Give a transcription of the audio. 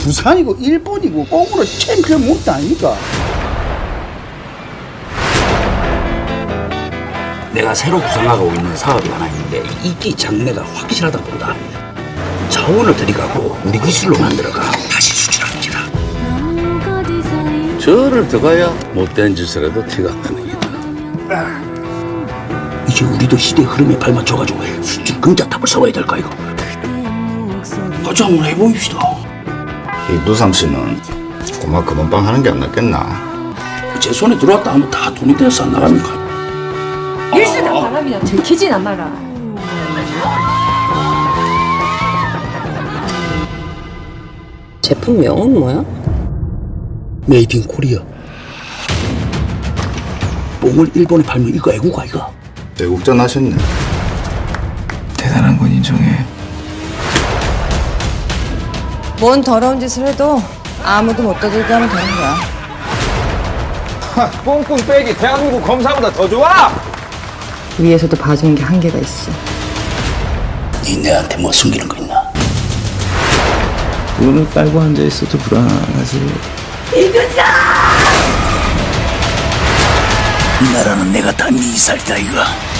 부산이고 일본이고 꽁으로 챔피언 못도 아닙니까? 내가 새로 구상하고 있는 사업이 하나 있는데 이기 장래가 확실하다 본다. 자원을 들이가고 우리 기술로 만들어가 다시 수출합니다. 저를 들어가야 못된 짓을 해도 티가 안 나는 게다. 이제 우리도 시대의 흐름에 발맞춰가지고 수출 금자탑을 세워야 될까 이거. 같이 한번 해보입시다. 이 누삼 씨는 고마 금은방 하는 게 안 낫겠나? 제 손에 들어왔다 하면 다 돈이 돼서 안 나갑니까? 일수다 바람이나 들키진 않아라. 제품명은 뭐야? 메이드 인 코리아. 뽕을 일본에 팔면 이거 애국가 이거. 외국전 하셨네. 대단한 건 인정해. 뭔 더러운 짓을 해도 아무도 못 떠들게 하면 되는 거야. 뽕뽕 빼기 대한민국 검사보다 더 좋아! 위에서도 봐주는 게 한계가 있어. 니 내한테 뭐 숨기는 거 있나? 눈을 깔고 앉아있어도 불안하지. 이 나라는 내가 다 네 살다 이거.